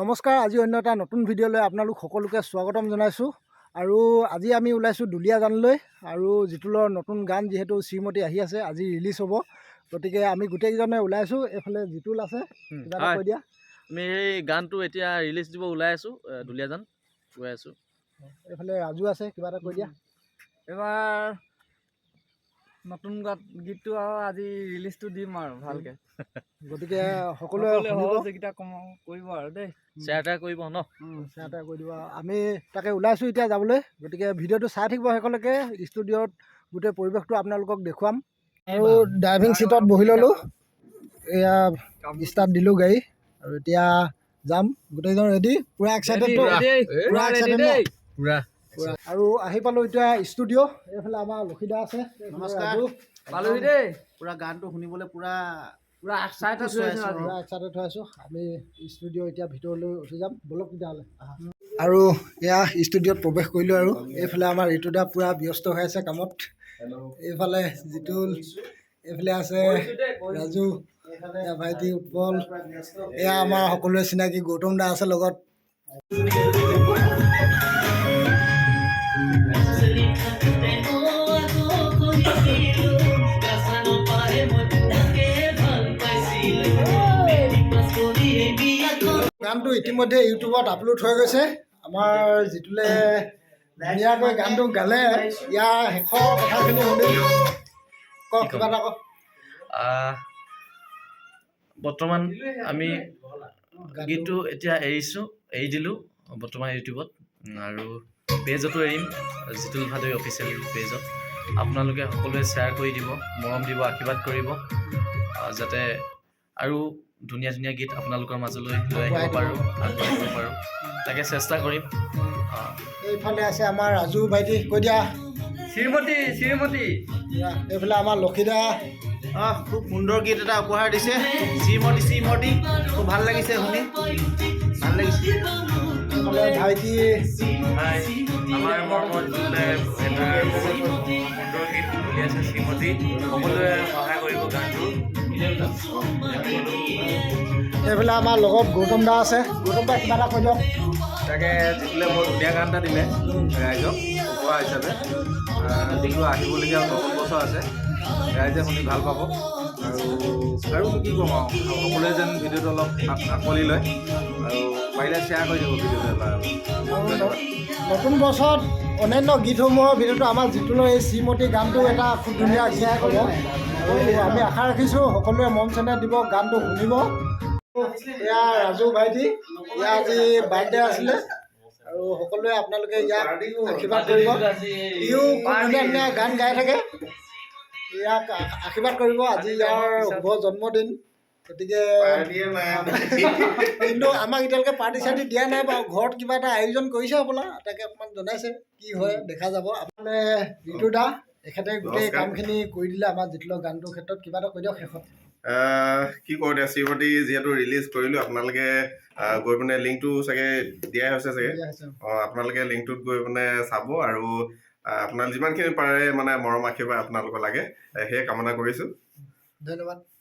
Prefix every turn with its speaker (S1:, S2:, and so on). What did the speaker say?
S1: নমস্কাৰ। আজি অন্য এটা নতুন ভিডিঅ'লৈ আপোনালোক সকলোকে স্বাগতম জনাইছোঁ। আৰু আজি আমি ওলাইছোঁ দুলীয়াজানলৈ। আৰু জিতুলৰ নতুন গান যিহেতু শ্ৰীমতী আহি আছে, আজি ৰিলিজ হ'ব, গতিকে আমি গোটেইকেইজনে ওলাইছোঁ। এইফালে জিতুল আছে, কিবা এটা কৈ দিয়া।
S2: আমি এই গানটো এতিয়া ৰিলিজ দিব ওলাই আছোঁ, দুলীয়াজান গৈ আছোঁ।
S1: এইফালে ৰাজু আছে, কিবা এটা কৈ দিয়া।
S3: এবাৰ নতুন গীতটো আৰু আজি ৰিলিজটো দিম আৰু ভালকৈ,
S1: গতিকে সকলোৱে
S3: সহযোগিতা কৰিব আৰু দেই,
S2: শ্বেয়াৰ এটা কৰিব ন,
S1: শ্বেয়াৰ এটা কৰি দিব। আমি তাকে ওলাইছোঁ এতিয়া যাবলৈ, গতিকে ভিডিঅ'টো চাই থাকিব শেষলৈকে। ষ্টুডিঅ'ত গোটেই পৰিৱেশটো আপোনালোকক দেখুৱাম। আৰু ড্ৰাইভিং ছিটত বহি ল'লোঁ, এয়া ষ্টাৰ্ট দিলোঁ গাড়ী, আৰু এতিয়া যাম। গোটেইজন ৰেডি, পূৰা এক্সাইটেডটো, পূৰা এক্সাইটেড ন?
S2: পূৰা।
S1: আৰু আহি পালোঁ এতিয়া ষ্টুডিঅ'। এইফালে আমাৰ লক্ষীদা আছে।
S4: নমস্কাৰ।
S3: পালোহি দেই,
S4: পুৰা গানটো শুনিবলৈ পুৰা
S3: এক্সাইটেড হৈ আছোঁ।
S1: পূৰা এক্সাইটেড হৈ আছোঁ। আমি ষ্টুডিঅ' এতিয়া ভিতৰলৈ উঠি যাম, বলক তেতিয়াহ'লে। আৰু এয়া ষ্টুডিঅ'ত প্ৰৱেশ কৰিলোঁ। আৰু এইফালে আমাৰ ঋতুদা পূৰা ব্যস্ত হৈ আছে কামত। এইফালে জিতুল, এইফালে আছে ৰাজু, এয়া ভাইটি উৎপল, এয়া আমাৰ সকলোৰে চিনাকি গৌতম দা আছে লগত। গানটো ইতিমধ্যে ইউটিউবত আপলোড হৈ গৈছে। আমাৰ জিতুলে ধুনীয়াকৈ গানটো গালে। ইয়াৰ শেষৰ কথাখিনি শুনি কওক, কিবা এটা কওক।
S2: বৰ্তমান আমি গীতটো এতিয়া এৰি দিলোঁ বৰ্তমান ইউটিউবত, আৰু পেজতো এৰিম, জিতুল ভাদৈ অফিচিয়েল পেজত। আপোনালোকে সকলোৱে শ্বেয়াৰ কৰি দিব, মৰম দিব, আশীৰ্বাদ কৰিব, যাতে আৰু ধুনীয়া ধুনীয়া গীত আপোনালোকৰ মাজলৈ লৈ আহিব পাৰোঁ, আগবাঢ়িব পাৰোঁ, তাকে চেষ্টা কৰিম।
S1: এইফালে আছে আমাৰ ৰাজু ভাইটি, কৈ দিয়া।
S3: শ্ৰীমতী
S1: এইফালে আমাৰ লক্ষীদা।
S4: খুব সুন্দৰ গীত এটা উপহাৰ দিছে, শ্ৰীমতী। খুব ভাল লাগিছে শুনি, ভাল লাগিছে।
S1: এইফালে ভাইটি,
S2: আমাৰ মৰমত যোনে এটা সুন্দৰ গীত উলিয়াইছে শ্ৰীমতী, সকলোৱে সহায় কৰিব গানটো।
S1: এইফালে আমাৰ লগত গৌতম দা আছে। গৌতম দা, কিবা এটা কৈ দিয়ক।
S5: তাকে জিতুলে বৰ ধুনীয়া গান এটা দিলে ৰাইজক উপহাৰ হিচাপে। যিটো আহিবলগীয়া নতুন বছৰ আছে, ৰাইজে শুনি ভাল পাব। আৰু কি ক'ম আৰু, সকলোৱে যেন ভিডিঅ'টো অলপ আঁকোৱালি লয়, আৰু পাৰিলে শ্বেয়াৰ কৰি দিব ভিডিঅ'টো এবাৰ।
S1: নতুন বছৰত অন্যান্য গীতসমূহৰ ভিতৰতো আমাৰ জিতুলৰ এই শ্ৰীমতী গানটো এটা খুব ধুনীয়া গীত হ'ব। আৰু আমি আশা ৰাখিছোঁ সকলোৱে মন চেনেহ দিব, গানটো শুনিব। এয়া ৰাজু ভাইটি, ইয়াৰ আজি বাৰ্থডে আছিলে, আৰু সকলোৱে আপোনালোকে ইয়াক আশীৰ্বাদ কৰিব। ইও খুব ধুনীয়া ধুনীয়া গান গাই থাকে, ইয়াক আশীৰ্বাদ কৰিব। আজি ইয়াৰ শুভ জন্মদিন, গতিকে কিন্তু আমাক এতিয়ালৈকে পাৰ্টি চাৰ্টি দিয়া নাই বাৰু। ঘৰত কিবা এটা আয়োজন কৰিছে হ'বলা, তাকে অকণমান জনাইছে, কি হয় দেখা যাব। আপোনালোকে ঋতু দা, এখেতে গোটেই কামখিনি কৰি দিলে আমাৰ জিতুলৰ গানটোৰ ক্ষেত্ৰত, কিবা এটা কৈ দিয়ক শেষত।
S6: কি কৰোঁ এতিয়া, শ্ৰীমতী যিহেতু ৰিলিজ কৰিলোঁ, আপোনালোকে গৈ পিনে লিংকটো চাগে দিয়াই হৈছে চাগে। আপোনালোকে লিংকটোত গৈ পিনে চাব, আৰু আপোনাক যিমানখিনি পাৰে মানে মৰম আশীৰ্বাদ আপোনালোকৰ লাগে, সেয়ে কামনা কৰিছোঁ।
S1: ধন্যবাদ।